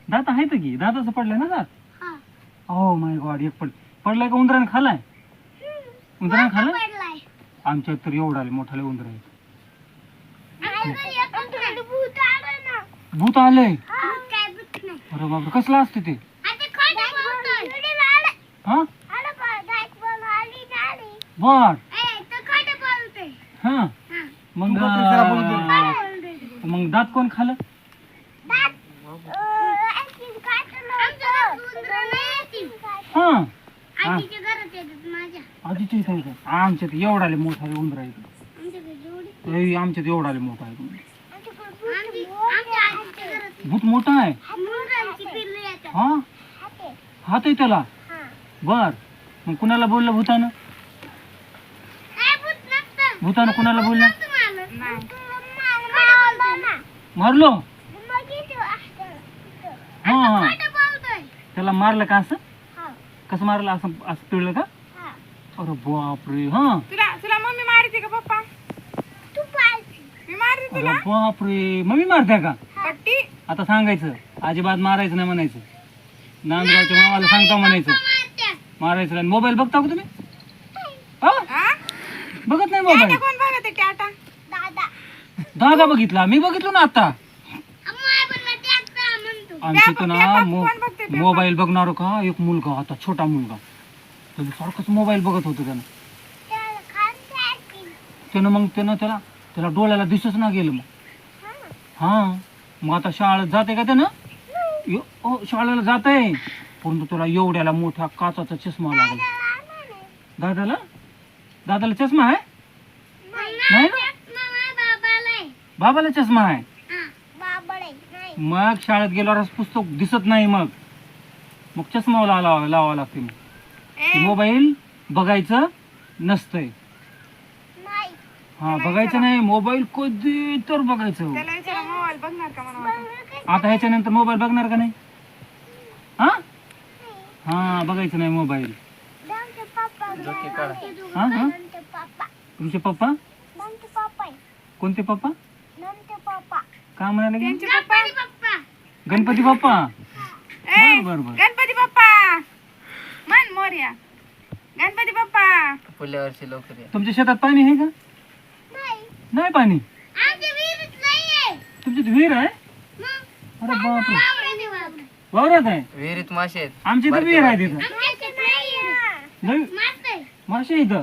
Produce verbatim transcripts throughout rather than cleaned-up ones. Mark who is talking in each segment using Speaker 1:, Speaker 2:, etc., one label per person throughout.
Speaker 1: दात आहेत की दाताचं पडलंय ना दात हो माय गॉड एक पड पडलाय का उंदराने खालाय उंदराने खाल्लाय आमच्या तर एवढा आले मोठाले उंदर आहेत भूत आलंय अरे बापरे कसलं असते ते हा बर हा मग मग दात कोण खाल्लं हा आधीच्या इथे आमच्यात एवढाले मोठाले उंदर आहेत आमच्यात एवढाले मोठा आहे भूत मोठा आहे हा हात आहे त्याला बर मग कुणाला बोललं भूतानं भूतानं कुणाला बोललं मारलो हा हा त्याला मारलं का असं कसं मारलं असं असं पिळलं का अरे बापरे हा
Speaker 2: तुला तुला मम्मी मारते का पप्पा मी मारते
Speaker 1: अरे
Speaker 2: तुला
Speaker 1: बापरे मम्मी मारते का
Speaker 2: पट्टी
Speaker 1: आता सांगायचं अजिबात मारायचं नाही म्हणायचं नांदगावच्या मामाला सांगता म्हणायचं मारायचं नाही मोबाईल बघता का तुम्ही हा?
Speaker 2: हा
Speaker 1: बघत नाही
Speaker 2: टाटा
Speaker 1: मोबाईल
Speaker 2: कोण बघते टाटा
Speaker 1: दादा बघितला मी बघितलो ना आता आमच्या इथं ना
Speaker 2: पेपर
Speaker 1: मो-
Speaker 2: कोण बघते पेपर?
Speaker 1: मोबाईल बघणार का एक मुलगा होता छोटा मुलगा तो सारखंच मोबाईल बघत होता त्यानं त्यानं मग त्यानं त्याला त्याला डोळ्याला दिसच ना गेलं मग हा मग आता शाळेत जाते का त्यानं यो- ओ, शाळेला जात आहे परंतु तुला एवढ्याला मोठा काचाचा चष्मा लागला दादाला दादाला चष्मा आहे नाही ना बाबाला चष्मा आहे मग शाळेत गेल्यावर पुस्तक दिसत नाही मग मग चष्मा लावा लावा लागते मग
Speaker 2: ए,
Speaker 1: मोबाईल बघायचं नसतंय हा बघायचं नाही मोबाईल कधी तर बघायचं
Speaker 2: त्याला विचारा मोबाईल बघणार का म्हणून वाटतं.
Speaker 1: आता ह्याच्यानंतर मोबाईल बघणार का नाही हा हा बघायचं नाही मोबाईल हा हा तुमचे पप्पा कोणते पप्पा का म्हणाले की?
Speaker 2: त्यांचे पप्पा
Speaker 1: गणपती बाप्पा
Speaker 2: ए,
Speaker 1: बर बर बर
Speaker 2: गणपती बाप्पा मन मोर्या गणपती बाप्पा
Speaker 3: पुढल्या वर्षी लवकर या.
Speaker 1: तुमच्या शेतात पाणी आहे का नाही पाणी तुमच्यात विहीर आहे अरे बापरे वावरात आहे
Speaker 3: विहिरीत मासे आहेत.
Speaker 1: आमची तर
Speaker 3: बारके
Speaker 1: विहीर आहे
Speaker 3: बारके.
Speaker 1: तिथं नाही मासे इथं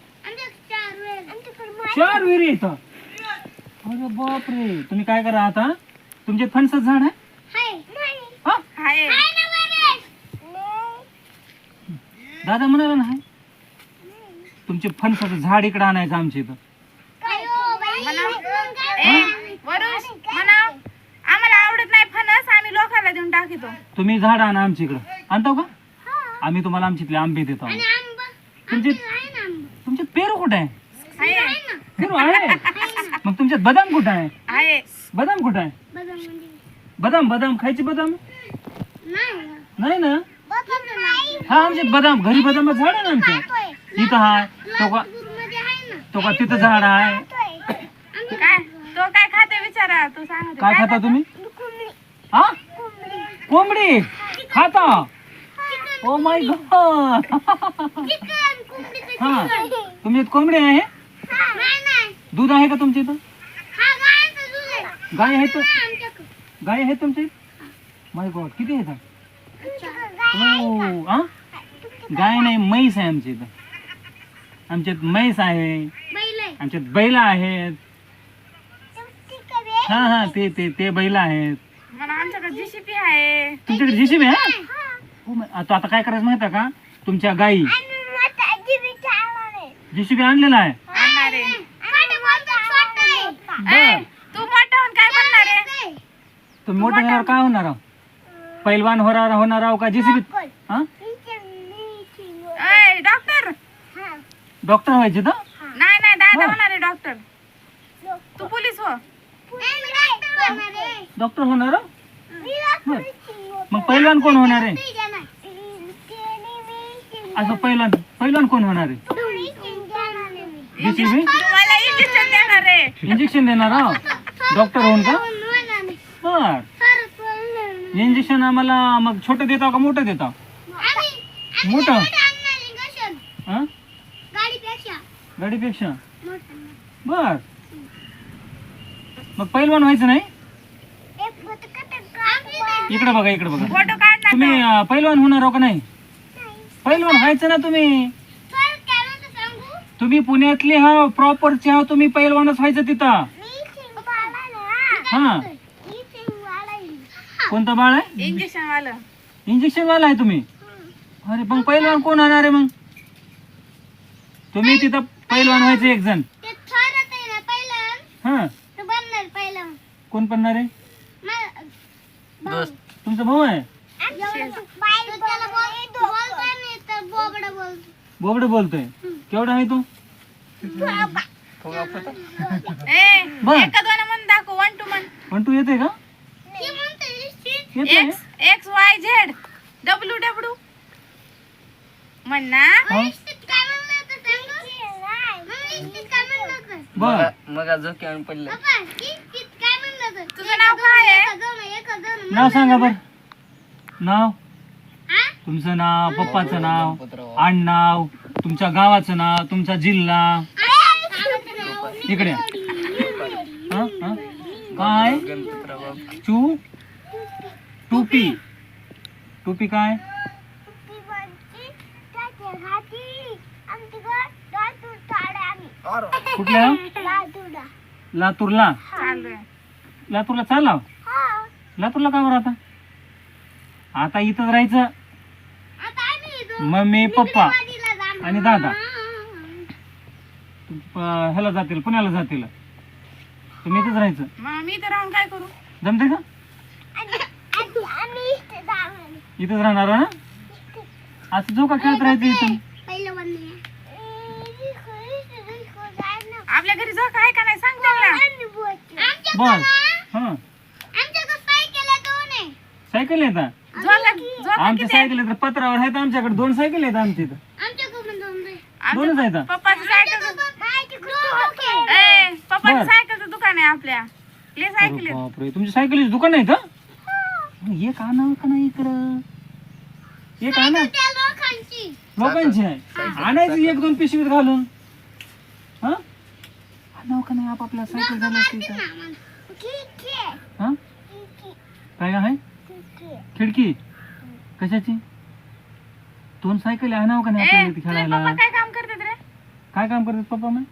Speaker 1: चार विहिरी इथं अरे बापरे तुम्ही काय करा आता तुमच्यात फणसाचं झाड आहे हा
Speaker 2: हाय
Speaker 1: दादा म्हणाला नाही तुमचे फणसाचं झाड इकडे आणायचं आमच्या इथं
Speaker 2: ए, वरुष म्हणाव आम्हाला आवडत नाही फणस आम्ही लोकांना देऊन टाकितो
Speaker 1: तुम्ही झाड आणा आमच्या इकडं आणतो का आम्ही तुम्हाला आमच्यातले आंबे देतो आहोत. तुमचे तुमच्यात पेरू कुठे आहे
Speaker 2: हाय
Speaker 1: पेरू आहे मग तुमच्यात बदाम कुठे आहे
Speaker 2: हाय
Speaker 1: बदाम कुठे आहे बदाम बदाम खायचे बदाम नाही ना हा आमच्यात बदाम घरी बदामाचं झाड आहे ना आमचं इथं हाय तो का तो का तिथं झाड आहे
Speaker 2: काय तो काय खाते विचारा तू सांग
Speaker 1: काय खाता तुम्ही हा कोंबडी खाता ओ माय गॉड हा तुमच्यात कोंबडी आहे दूध आहे का तुमच्या इथं गाय आहे तर गाय आहे तुमच्या इथं माय गॉड किती आहे ओ हा गाय नाही म्हैस आहे आमच्या इथं आमच्यात म्हैस आहे आमच्यात बैल आहेत हा हा ते ते ते बैल आहेत
Speaker 2: म्हणा आमच्याकडे जीसीपी आहे
Speaker 1: तुमच्याकडे जेसीबी आहे हो, मा- आता आता काय करायचं माहिती आहे का तुमच्या गाई जेसीबी आणलेला आहे
Speaker 2: आणणार आहे
Speaker 1: बर
Speaker 2: ए, तू मोठा होऊन काय बनणार आहे
Speaker 1: तुम्ही मोठं झाल्यावर काय होणार आहो? पैलवान होणार होणार आहो का जेसीबी हा
Speaker 2: ए, डॉक्टर
Speaker 1: डॉक्टर व्हायचे तर
Speaker 2: नाही नाही दादा
Speaker 1: हा.
Speaker 2: होणार आहे डॉक्टर तू पोलीस हो
Speaker 1: डॉक्टर होणार आहो? बर. मग पैलवान कोण होणार आहे असं पैलवान पैलवान कोण होणार आहे जेसीबी
Speaker 2: तुम्हाला इंजेक्शन देणार आहे
Speaker 1: इंजेक्शन देणार आहो डॉक्टर होऊन का बर इंजेक्शन आम्हाला मग छोटं देता का मोठं देता? मोठं हा गाडीपेक्षा बर. मग पैलवान व्हायचं नाही? इकडे बघा इकडे बघा.
Speaker 2: फोटो काढ ना
Speaker 1: तुम्ही अं, पैलवान होणार हो का नाही? पैलवान व्हायचं ना तुम्ही. तुम्ही पुण्यातले हा प्रॉपरचे हा, तुम्ही पैलवानच व्हायचं तिथं. हा कोणता बाळ आहे?
Speaker 2: इंजेक्शन वालं.
Speaker 1: इंजेक्शन वाला आहे तुम्ही? अरे पण पैलवान कोण होणार आहे मग? तुम्ही तिथं पैलवान व्हायचं एक जण. हा कोण बनणार आहे?
Speaker 3: दोस्त.
Speaker 1: तुमचा भाऊ आहे? बोबड बोलतोय. केवढा आहे तो?
Speaker 3: फुगा फुटा.
Speaker 2: ए
Speaker 1: बर.
Speaker 2: एका दोन म्हणून दाखव. One two one.
Speaker 1: पण तू येते का? येते?
Speaker 2: X X Y Z W W म्हण ना.
Speaker 1: हा? बर.
Speaker 3: मग मग झोके आणून पडलं.
Speaker 2: तुझं नाव काय आहे?
Speaker 1: नाव सांगा बर. नाव तुमचं नाव, पप्पाचं नाव, आडनाव, तुमच्या गावाचं नाव, तुमचा जिल्हा. इकडे या. हा? हा? काय?
Speaker 3: गणपतराव बाबा.
Speaker 1: चू टोपी. टोपी काय? कुठल्या? लातूरला.
Speaker 2: चालू आहे.
Speaker 1: लातूरला चालला? लातूरला का बरं आता? आता इथंच राहायचं. मम्मी पप्पा आणि दादा अं, ह्याला जातील, पुण्याला जातील. तुम्ही इथंच राहायचं.
Speaker 2: मग मी तर राहून काय करू?
Speaker 1: जमते का? इथंच राहणार ना? असं जो का खेळत राहायचं इथं.
Speaker 2: आपल्या घरी जो काय का नाही सांग त्यांना.
Speaker 1: बर. हा सायकल येतात.
Speaker 2: झोका झोका
Speaker 1: आमच्या सायकल येतात पत्रावर आहेत. आमच्याकडे दोन सायकल आहेत आमच्या इथं. दोनच आहेत.
Speaker 2: पप्पाचं सायकल ए पप्पाचं
Speaker 1: बर.
Speaker 2: सायकलचं दुकान आहे आपल्या. ले सायकल
Speaker 1: अरे
Speaker 2: आहेत.
Speaker 1: बापरे, तुमच्या सायकलीचं दुकान आहे का? एक आणा का नाही इकडं? एक आणा. लोकांची आहे. आणायची एक दोन पिशवीत घालून. हा आणावं का नाही आपापल्या सायकल झालं असते इथं. हा काय आहे? खिडकी कशाची? दोन सायकल आणावं का नाही
Speaker 2: ए,
Speaker 1: आपल्याला इथे
Speaker 2: तुझे
Speaker 1: खेळायला?
Speaker 2: पप्पा काय काम करतात रे?
Speaker 1: काय काम करतात पप्पा मग?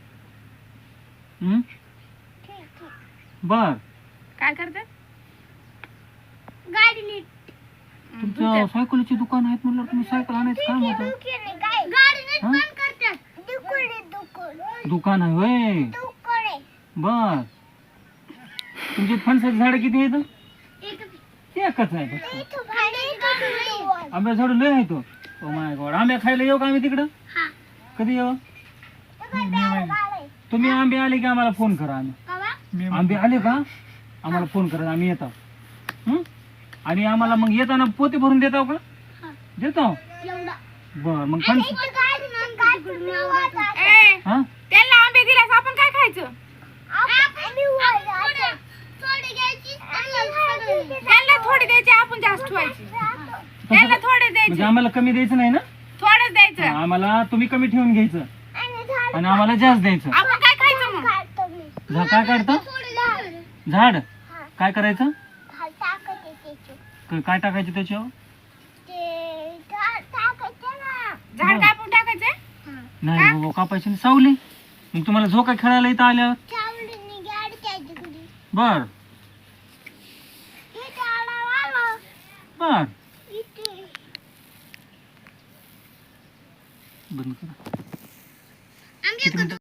Speaker 1: हम्म बर.
Speaker 2: काय करतात?
Speaker 1: तुमच्या सायकलीची दुकान आहेत म्हणलं तुम्ही सायकल आणायचं काम होतं. दुकान आहे होय. बर. तुमची फणसाची झाड किती आहेत? एकच आहे फक्त. आंब्या झाड लय आहे तो. Oh my god. आंब्या खायला येऊ का आम्ही तिकडं? कधी येऊ? तुम्ही आंबे आले की आम्हाला फोन करा. आम्ही आंबे आले का आम्हाला फोन करा, आम्ही येतो. हं? आणि आम्हाला मग येताना पोते भरून देताव का? देतो. बर मग फणस.
Speaker 2: ए
Speaker 1: हा
Speaker 2: त्यांना आंबे दिल्यास आपण काय खायचं? त्यांना थोडे द्यायचे, आपण जास्त ठेवायचे. त्यांना थोडे
Speaker 1: म्हणजे
Speaker 2: द्यायचे,
Speaker 1: आम्हाला कमी द्यायचं नाही ना?
Speaker 2: थोडंच द्यायचं.
Speaker 1: आम्हाला तुम्ही कमी ठेवून घ्यायचं आणि आम्हाला जास्त द्यायचं.
Speaker 2: आपण काय खायचं मग?
Speaker 1: झा काय काढतं? झाड काय करायचं? क- काय टाकायचं त्याच्यावर?
Speaker 2: झाड कापून टाकायचे.
Speaker 1: नाही बाबा कापायची नाही. सावली. मग तुम्हाला झोका खेळायला इथं आल्यावर बर बर बंद करा. किती मिनिटं?